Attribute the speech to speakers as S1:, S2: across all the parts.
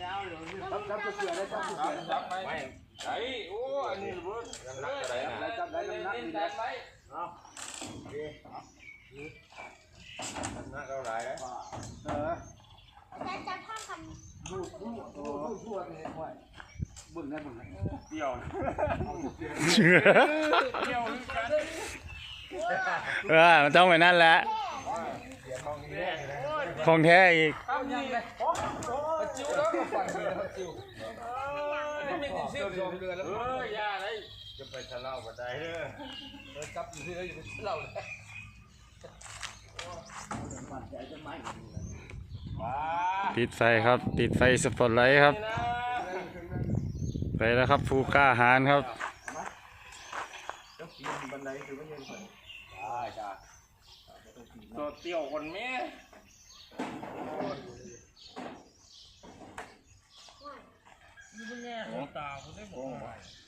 S1: จับเสือได้จับเสือจับไปไอ้โอ้อันนี้รู้นักอะไรนะจับได้นักนี่แหละเอาโอเคนักเท่าไหร่
S2: จับข้างกัน
S1: ดูทั่วนี่ห้วยบึ้งได้บึ้งเดี่ยว
S3: มันต้องไปนั่นแหละของแท้อีก
S1: จะไปทะเลาะกันได้เลยจับอยู่ที่ไหนอยู่ที่เราเลย
S3: ปิดไฟครับปิดไฟสปอตไลท์ครับไปแล้วครับผู้กล้าหาญครับ
S1: บันไดคือไม่เย็นก่อนได้จ้าตัวเตี้ยวคนแม่นี่เป็นไงหัวตาคุณได้หมด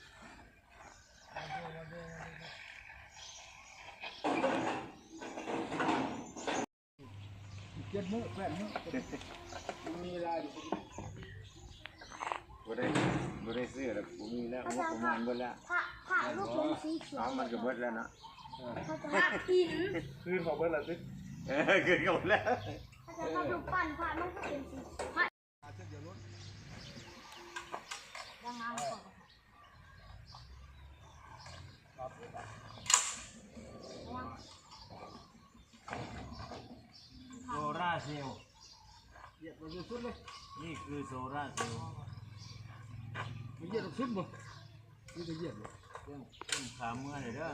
S1: เจ็ดมื้อ8 มื้อมีอะไรบ่ได้ซื้อแล้วบ่มีแล้วงบประมาณเบิดแล้ว
S2: ผ่าลูกเป็นสีเขียว
S1: มันก็เบิดแล้วนะ
S2: เขาจะหักหิน
S1: คือเขาเบิดแล้วสิคือเขาแล้ว
S2: เขาจะทำลูกปั้นผ่ามันก็เป็นสีผ่าดังงานก่อน
S4: โซล่าเซลล์เหยียบมันสุดเลยนี่คือโซล่าเซลล์
S1: มันเหยียบสุดบ่นี่จะเหยียบเลย
S4: ต้นขาเมื่อเลยเด้อ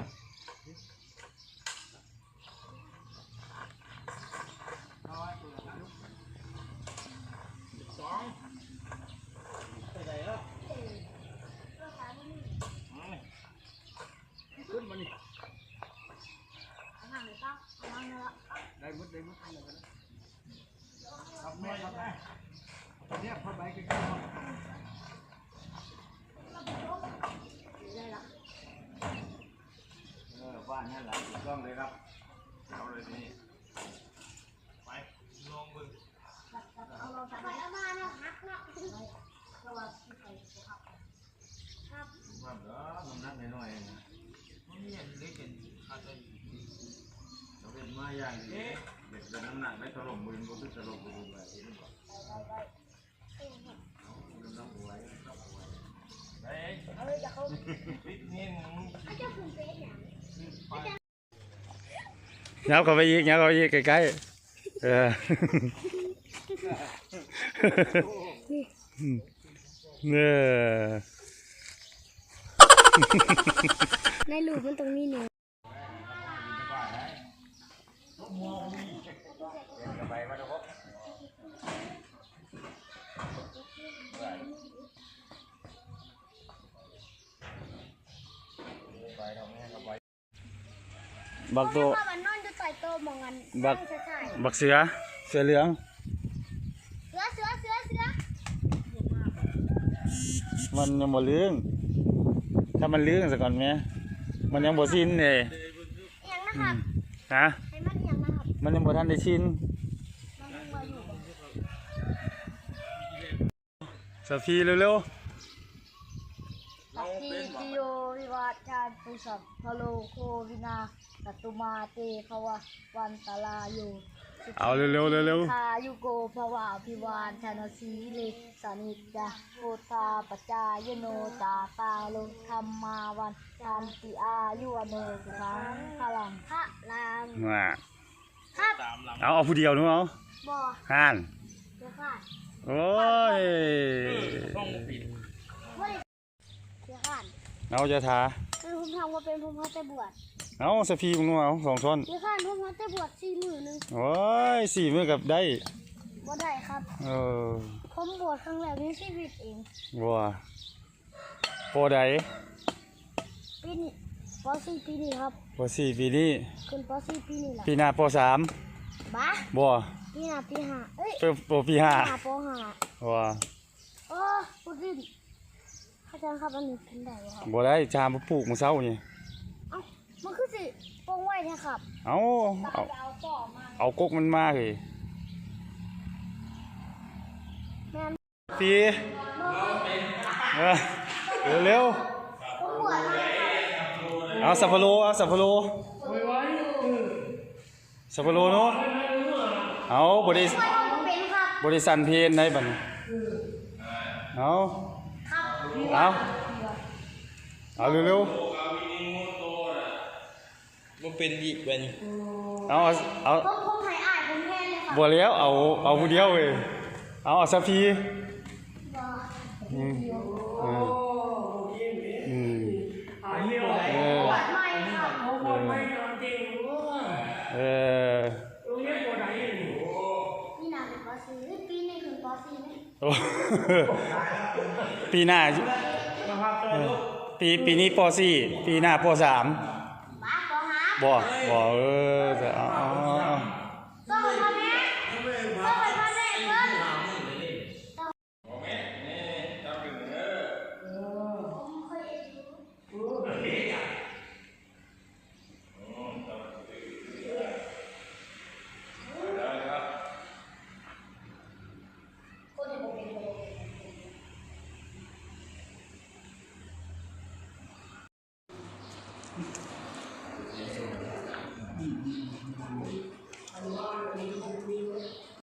S1: ขึ้นมานี่
S2: ห่างเลยครับห่างเลยละ
S1: ได้มุดอะไรกันครับแม่ครับแม่เนี่ยพอไปกัน
S2: ได้ละ
S4: บ้านนั่นแหละ
S1: ถูกต้องเลยครับเอาเลยนี่ไปลงมือ
S2: เอาเราไปแล้วมาเนาะฮักเนาะเราว่าที่ใครครับครับ
S4: ว่าเด้อมันนั่งน้อยๆนะมันมีอย่างเล็กเป็นอาจจะเราเป็นมาอย่างนี้เด็กจะน้ำหนักไม่ถล่มมือก็คือถล่มมือไปนี่ก่อนน้ำหัว
S2: เอาเลยจะเขา
S4: ปิดนี่
S2: เขาจะคุณเฟสเนี่ย
S3: ยับเข้าไปอีกยับเข้าไปอีกใกล้ๆเนี่ย
S2: ในหลูมันตรงนี้หนู
S3: บักโต
S2: มันนอนอยู่ใต้โต๊ะมองกัน
S3: บักเสือเหลืองมันยังบ่เลื่องถ้ามันเลื่องซะก่อนแม่มันยังบ่ชินเลย
S2: ยังนะครับ
S3: ฮะ
S2: ให้มันยังนะครับ
S3: มันยังบ่ทันได้ชินสพีเร็ว
S2: ๆทีจิโยวิวัฒน์ชาญปุสัพพโลโควินาสัตุมาเตภวะวันตลาโย
S3: เอาเร็ว
S2: ทายุโกภวะพิวานชนสีเลสานิจาโพธาปจายโนตาตาโลธรรมาวันชันติอายุอโนสุขังพลังพระรามครับ
S3: เอาผู้เดียวนู้เอา
S2: บ่
S3: ห่าน
S2: เดี๋ยวขาด
S3: โอ้ย
S2: เดี๋ยวขาด
S3: เอาจะทา
S2: ผมทำว่าเป็นผมพัดแต่บวช
S3: เอาสพีมึงนู้เอา2 ช้อน
S2: เดี๋ยวขาดผมพัดแต่บวช4 มื้อนึง
S3: โอ้ย4 มื้อกับได้
S2: บ่ได้ครับผมบวชครั้งแรกในชีวิตเอง
S3: บัวโปใด
S2: ปีนี้ป.4 ปีนี้ครับ
S3: ป.4 ปีนี้
S2: ขึ้นป.4 ปีนี้แหละ
S3: ปีหน้าป.3
S2: บ้า
S3: บัว
S2: ปีหน้าปี5เอ้ย
S3: ปี5
S2: ป.5
S3: บัว
S2: พูดดิอาจารย์ครับอันนี้เป็นได้บ่ครับ
S3: บัวได้ชามปลูกมื้อเช้านี่
S2: มันคือสิปงไว้นะครับ
S3: เอากกมันมาเลย
S2: แม่น
S3: ปีเร็วเอาสับปะโลสับปะโลเนาะเอาบริษัทเพนในบัดเอาเร็ว
S1: มันเป็นอีกเป็น
S3: เอา
S2: ผมไทยอ่านผมแค่เลยค่ะ
S3: บัวเลี้ยวเอาผู้เดียวเว้ยเอาสักที
S2: ไม่ค่ะนี่นาเป็นปอซีปีนี้ถึงปอซีไหม
S3: ปีหน้าปีนี้ป .4 ปีหน้าป .3
S2: บ้าปอฮา
S3: บ่จะเอา